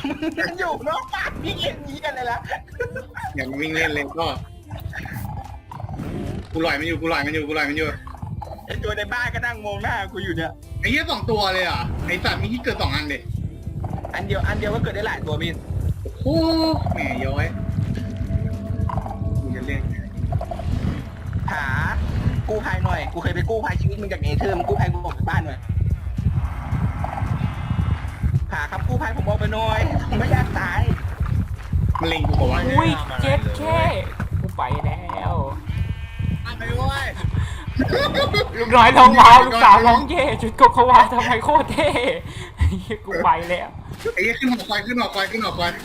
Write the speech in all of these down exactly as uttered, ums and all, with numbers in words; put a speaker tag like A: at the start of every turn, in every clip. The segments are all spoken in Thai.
A: มันอยู่นอกบ้านพี่เอ็นนี้กันเลยละ
B: อย่ามาวิ่งเล่นเลยก็กูลอยมันอยู่กูลอยมันอยู่กูลอยมันอยู่
A: ไอตัวในบ้านก็นั่งมองหน้ากูอยู่เนี่ย
B: ไอ้เหี้ยสองตัวเลยอ่ะไอ้สัตว์มีที่เกิดสองอันเด็
A: อันเดียวอันเดียวก็เกิดได้หลายตัวมิน
B: โอ้แหมย้อยกูจะเล่น
A: หากู้ภัยหน่อยกูเคยไปกู้ภัยชีวิตมึงจากเนเธอร์มึงกู้ภัยกูออกจากบ้านหน่อยหาครับกู้ภัยผมออกไปหน่อยผมไม่อยากตาย
B: มันเล็งกูบอกว่า
C: อุ้ยเจ็ดแค่กูไปแล้ว
B: ไปเว้ย
C: ลูกน้อยร้องว้าวลูกสาวร้องเย่ชุดโกโกวาทำไมโคตรเท่กูไปแล้ว
B: ไอ้เหี้ยขึ้นหอคอยขึ้นหอคอยขึ้นหอคอย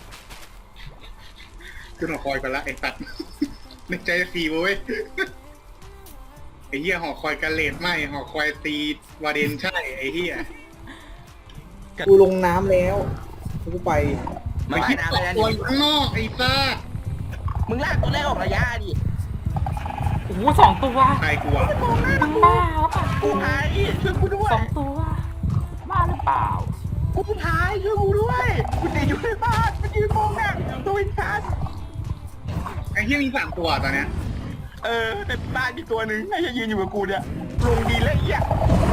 B: ขึ้นหอคอยกันละไอ้สัตว์นึกใจจะตีเว้ยไอ้เหี้ยหอคอยกันเลดไหมหอคอยตีวาเดนใช่ไอ้เหี้ย
D: กูลงน้ำแล้วกูไป
A: มา
B: ไอ้
A: ว่าย
B: ที่
A: น้ำ
B: ต
A: อะไร
B: ก
A: นะ
B: ตัว
A: นี่
B: อยู่ข้างนอกไอ้ซ่า
A: มึงลากตัวแรกออกระยะดิ
C: โอ้โหสองตัว
B: ใครกลัว
C: มึงบ้าหรือเปล่า
A: กู้ภัยช่วยกูด้ว
C: ส
A: ย
C: องตัวบ้าหรือเปล่า
A: กู้ภัยช่วยกูด้วยกูติดอยู่ในบ้านมันยืนมองหน้าตัวอินชัน
B: ไอ้เหี้ยมีสามตัวตอนเนี้ย
A: เออในบ้านมีตัวหนึ่งไอ้ยืนอยู่กับกูเนี่ยลงดีแล้วไอ้เหี้ย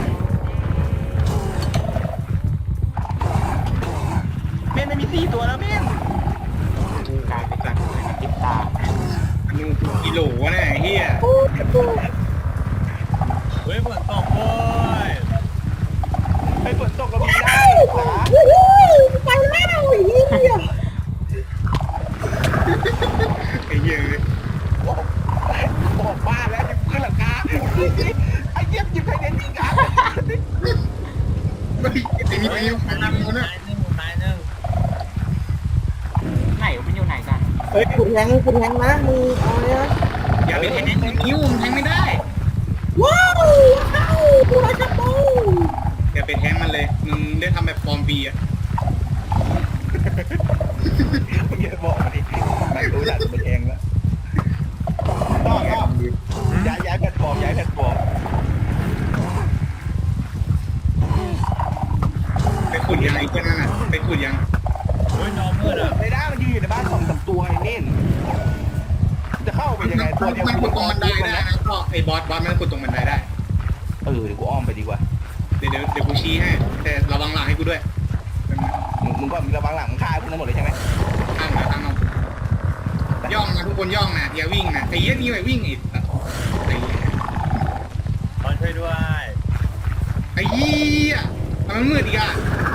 A: เมนมันมีสี่ตัวแล้วเมน
C: กลายเป็นติดตาม
B: นูกิโลวะเนี่ยไอ้เหี้ย
E: เฮ้ยฝนตกโว้ย
A: ไปฝนตกก็มีได้ขา
D: ไปแล้วไอ้เหี้ย
B: ไอ้เหี้ยเลย
A: บอกบอกบ้านแล้วจะขึ้นหลังคาไอ้เจี๊ยบจิบไทยเด่นจริงอ่ะ
B: ไม่ไอ้นี่ไปยังไงนะมึงเนี่ย
E: ตายหนึ่งตายหนึ่ง
C: ไหนมันอยู่ไหนกัน
D: เฮ้ยกูแทงกูแทงนะมึงเอาเลยนะ
B: อย่าไปแทงนิ้วมึงแทงไม่ได้
D: ว้าวว้าวกูรักจับปู
B: อย่าไปแทงมันเลยมึงได้ทำแบบฟอร์มบีอะ
A: มึงอย่าบอกมาดิไม่รู้อยากจะไปแทงแล้วต้องต้องย้ายย้ายแพลตฟอร์มย้ายแพลตฟอร์ม
B: ไปขุดยังไอ้เจ้านั่นน่ะไปขุดยัง
E: เฮ้ยน้องมืดอ่ะ
A: ในด้ามันยืนอยู่ในบ้านสองสามตัวไอ้เน่นจะเข้าไปยังไงตัวเดียว
B: มันขุดตรงบันไดได้นะก็ไอ้บอสบอสมันขุดตรงบันไดได้
A: เออเดี๋ยวกูอ้อมไปดีกว่า
B: เดี๋ยวเดี๋ยวเดี๋ยวกูชี้ให้แต่ระวังหลังให้กูด้วย
A: มึงมึงก็มีระวังหลังฆ่าพวกนั้นหมดเลยใช่ไหม
B: ข้างนะข้างนอกย่องนะทุกคนย่องนะอย่าวิ่งนะไอ้เหี้ยนี่ไปวิ่งอีกไอ้เหี้ย
E: ขอช่วยด้วย
B: ไอ้เหี้ยทำไมมันมืดอีกอ่ะ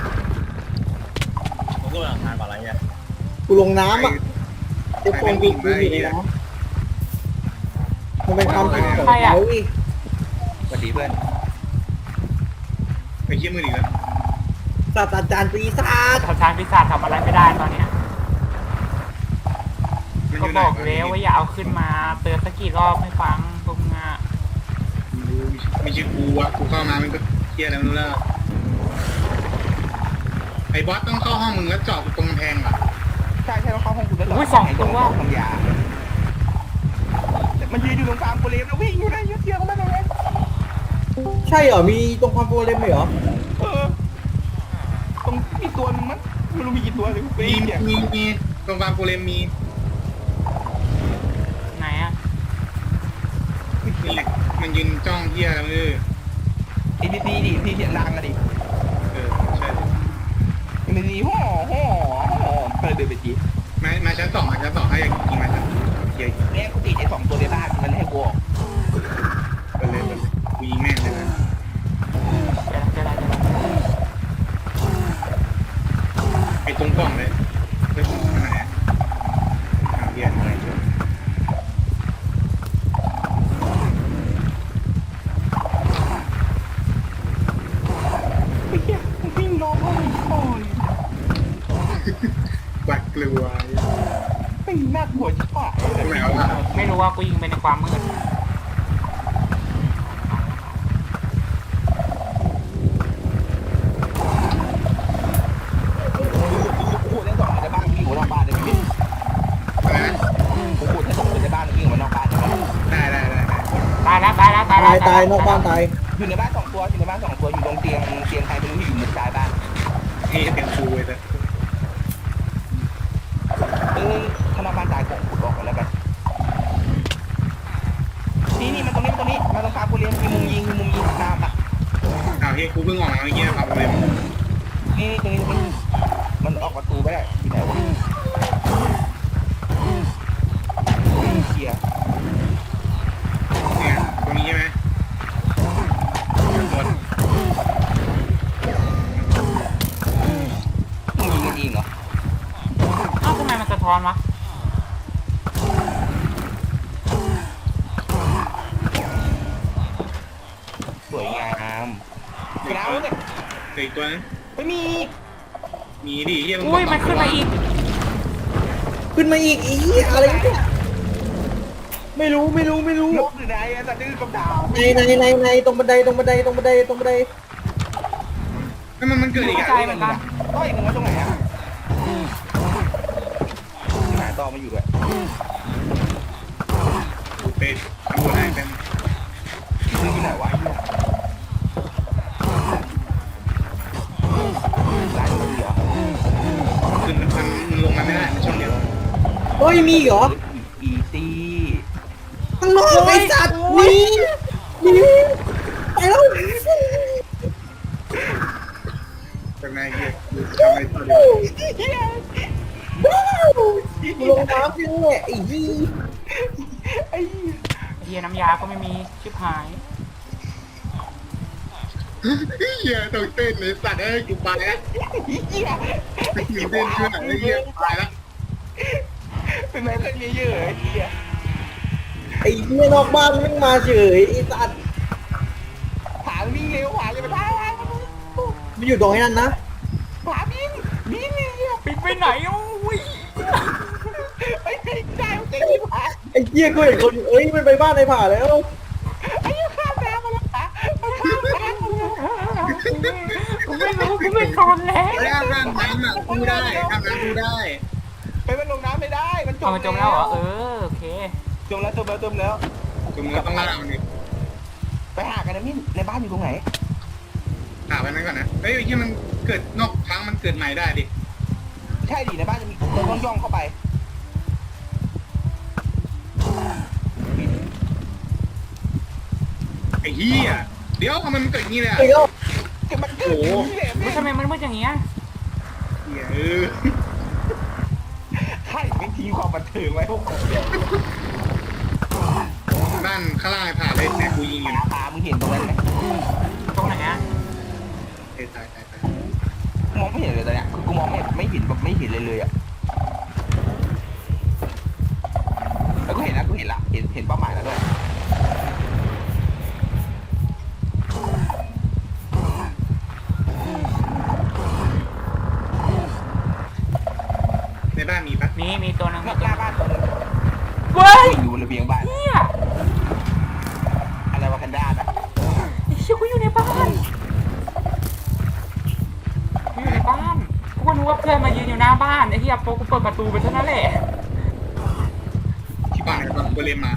E: ผมก็หลังทานก่อนอะไรเงี้ย
D: กูลงน้ำอ่ะเจ็บฟองกูกูอยู่ในน้ำมันเป็นความผิดของเขา
A: สวัสดีเพื่อน
B: ไอ้เหี้ยมืดอีกแล้ว
D: ศาสตราจารย์ปีศาจ
C: ทางช้างพิศาจทำอะไรไม่ได้ตอนเนี้ย
B: มัน
C: ก็
B: ยู่ไหน
C: บอกแล้วว่าอย่าเอาขึ้นมาเตือนสักกี่รอบไม่ฟังพวกมึงอ่ะ
B: ไม่ใช่กูอ่ะกูเข้ามามันก็เหี้ยแล้วไม่รู้แล้วไอ้บอสต้องเข้าห้องมึงแล้วเจาะตรงกำแพงเหรอ
A: ใช่ใช่ต้องเข้าห้องกูแล้วเหรอ
C: อุ้ยสองตัว
A: ทำยามันยืนอยู่ตรงกลางโกเลมแล้ววิ่งอยู่นะยืดเชือกเข้ามาตรงนี้
D: ใช่เหรอมีตรงความโปรเลมเหรอ
A: เออตรงมีตัวนึงมั้งไม่รู้มีกี่ตัวเลยกู
B: มี
A: วิ่งเนี่ย
B: มีมีตรงฟาร์มโกเลมมี
C: ไหนอ่ะ
B: นี่แหละมันยืนจ้องเหี้ยแล้วมือ
A: เอ็นบีซีดิพี่เสียงดังอะดิ
B: เออใช่
A: เอ็นบีซีห่อห่อห่อเปิดเดินไปจี
B: มามาชั้นสองมาชั้นสองให้อยากกินมาชั้นเหี้ย
A: แม่กูติดไอ้สองตัวในบ้านมันให้กูออก
B: ไปเลยไปเลยกูยิงแม่งเลยนะ
C: เดี๋ยวเดี๋ยวเดี๋ยว
B: ไอ้ตรงกล่องเลยเฮ้ยอันไหนอะหาเหี้ยอะไรเจอ
A: ไปเหี้ยวิ่งน้องเขาโอ้ย
B: บัดกลัว
A: ไม่น่ากลัวชิบหาย
B: ตรงไหนวะ
C: ไม่รู้ว่ากูยิงไปในความมืด
A: กูเล่นสองในบ้านวิ่งออกนอกบ้านได้ไหม
B: อะไรนะ
A: กูพูดให้สองในบ้านวิ่งออกนอกบ้านได้ไหม
B: ได้ได้ได้ได้
C: ตายแล้วตายแล้วตาย
D: ตาย
C: แล้ว
D: ตายนอกบ้านตาย
A: อยู่ในบ้านสองตัวอยู่ในบ้านสองตัวอยู่ตรงเตียงเตียงใครไม่รู้ที่อยู่มุมซ้ายบ้าน
B: นี่จะเป็นครูเลยแต่
A: ไม่ได้อยู่ไหนวะเคลียร์
B: เนี่ยตรงนี้ใช่ไหมหมด
A: มึงยิงกันเองเหรอ
C: เอ้าทำไมมันสะท้อนวะ
A: สวยงามกระเอาเนี่ย
B: เหลืออีกตัวนึง
A: ไม่มี
B: มีดิเฮีย
C: อุ้ยมันขึ้นมาอีก
D: ขึ้นมาอีกอีอะไรเนี่ยไม่รู้ไม่รู้ไม่รู้
A: นกหรือไงไอ้สัตว์ดื้อกับดาว
D: ในในในในตรงบันไดตรงบันไดตรงบันไดตรงบันได
B: นั่นมันมันเกิดอีก
C: เข้า
B: อ่ะ
C: ใจเหมือนกัน
A: ต้อยหนึ่งไว้ตรงไหนอ่ะหาต่อมาอยู่ด้วย
B: ไปทำบุญให้เป็น
A: มึงอยู่ไหนวะร้านมึงเหรอ
B: ขึ้นมันมันลงมาไม่ได้มันช่องเดียว
D: เฮ้ยมีเหรอ
A: อีซี่
D: ข้างนอกไอ้สัตว์หนี่นี่ไปแล้ว
B: จากไหนเฮียทำไมตัวเดียว
D: ว้าวกูลงน้ำจริงแหละไอ้ยี่
A: ไอ้
C: เฮียน้ำยาก็ไม่มีชิบหาย
B: เฮียต้องเต้นเลยสัตว์เอ้ยกูไปแล้ว
A: เหี้ย
B: ไม่มีเต้นช่วยหน่อยเลยเฮียไปแล้ว
A: เป็นไงเรื่องเยอะๆไอ้เหี้ย
D: ไอ้เหี้ยนอกบ้านมึงมาเฉยไอ้สัตว์
A: ผาวิ่งเร็วผาเลยมาได้
D: มันอยู่ตรงนั้นนะ
A: ผาวิ่งวิ่งเร็ว
C: ปิดไปไหนอุ้ย
A: ไอ้ไม่ได้เจ๊ที่ผา
D: ไอ้เหี้ยกูเห็นคนเอ้ยมันไปบ้านไอ้ผ่าแล้ว
A: ไอ้ยังข้ามน้ำมาแล้วผามันข้ามน้ำมาแล้ว
C: กูไม่รู้กูไม่ทนแล้ว
B: เฮ้ยอาบน้ำน้ำอ่ะกูได้อาบน้ำกูได้
A: ไปมันลงน้ำไม่ได้มันจ
C: เอา
A: ม
C: มันจมแล้วเหรอเออโอเค
A: จมแล้วจมแล้วจมแล้ว
B: จมแล้วต้องล่ามันดิ
A: ไปหากันนะมิ้นในบ้านอยู่ตรงไหน
B: หาไปนั้นก่อนนะเฮ้ยที่มันเกิดนอกพังมันเกิดใหม่ได้ดิ
A: ใช่ดิในบ้านจะมีเราต้องย่องเข้าไป
B: ไอ้เหี้ยเดี๋ยวทำไมมันเกิดอย่างนี้เลยอ่ะ
D: ไอ้ก็
A: ก็มันเกิดอย่างนี้แหละ
C: เฮ้
A: แม่
C: ยทำไมมันมืดอย่างเงี้ย
B: เหี้ยเออ
A: ใครไม่ทิ้งความบันเทิงไว้พวกผม
B: บ้านข้างล่างไอ้ผ่าเลยแต่กูยิงอยู่
A: หา
B: นะ
A: ผามึงเห็นตรงนั้นไหม
C: ตรงไหนอะ
B: เฮ้ยตายตายตาย
A: มองไม่เห็นเลยตอนเนี้ยคือกูมองไม่ไม่เห็นแบบไม่เห็นเลยเลยอ่ะแล้วกูเห็นแล้วกูเห็นละเห็นเห็นเป้าหมายแล้วด้วย
B: ในบ้านมีปะ
C: มีมีตัวหนึง
A: ห
C: มี
A: น้า
C: ตัวห
A: บ้า
C: นึง
A: นตัวนึง
C: เว้ย
A: อยู่บนระเบียงบ้าน
C: เนี่ย
A: อะไรวะแพนด้าอ่ะ
C: ไอ้เชี่ยกูอยู่ในบ้านกูอยู่ในบ้านกูก็นึกว่าเพื่อนมายืนอยู่หน้าบ้านไอ้เหี้ยโป๊ะกูเปิดประตูไปเท่านั้นแหละ
B: ที่บ้านไอ้บ้านกูเรียนมา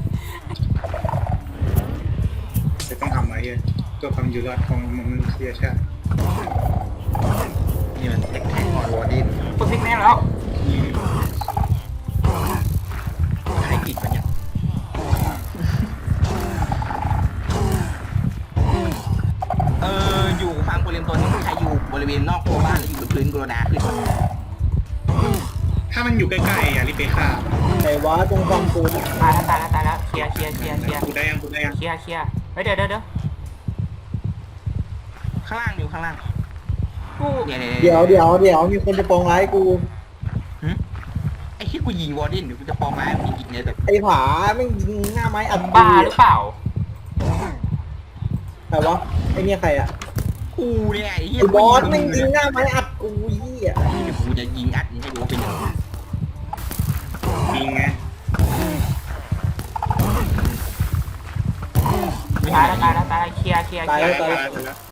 B: จะต้องทำอะไรเหี้ยตัวความอยู่รอดของมนุษยชาติ
E: นี่มันเทคแท็กวอร์ดิน
C: กูซิกแน่แล้ว
B: ยิง
E: ให้กิดมันเนี่ย
F: เอออยู่ฟาร์มโกเลมตัวนี้ใครอยู่บริเวณนอกตัวบ้านหรืออยู่บนพื้นกรดาขึ้น
B: ถ้ามันอยู่ใกล้ๆอย่ารีบไปฆ่า
D: ไหนวะตรงฟังกู
C: ตายแล้วตายแล้วตายแล้วเคลียร์เคลียร์เคลียร์เคลียร์
B: กูได้ยังกูได้ยัง
C: เคลียร์เคลียร์เฮ้ยเดี๋ยวเดี๋ยวเดี๋ยว
F: ข้างล่างอยู่ข้างล่าง
C: กู
F: เนี่ย
D: เดี๋ยวเดี๋ยวเดี๋ยวมีคนจะปองร้ายกู
F: ไอ้ที่กูยิงวอร์ดินเดี๋ยวกูจะปองไม้มีอีกเนี่ยแบบ
D: ไอ้ผาแม่งยิงหน้าไม้อัด
C: บ้าหรือเปล่า
D: แต่วะไอ้เนี่ยใครอะ
F: กูเนี่ยไอ้เหี้ย
D: ไอ้บอสแม่งยิงหน้าไม้อัดกูยี่อะ
F: เดี๋ยวกูจะยิงอัดนี่ให้ดูว่าเป็นยังไง
B: ยิงไง
C: ตายแล้วตายแล้วตายแล้วเคลียร์เคลียร์
D: ตาย
C: เคลีย
D: แล้ว
C: ร์
D: ตายแล้ว
B: แล้ว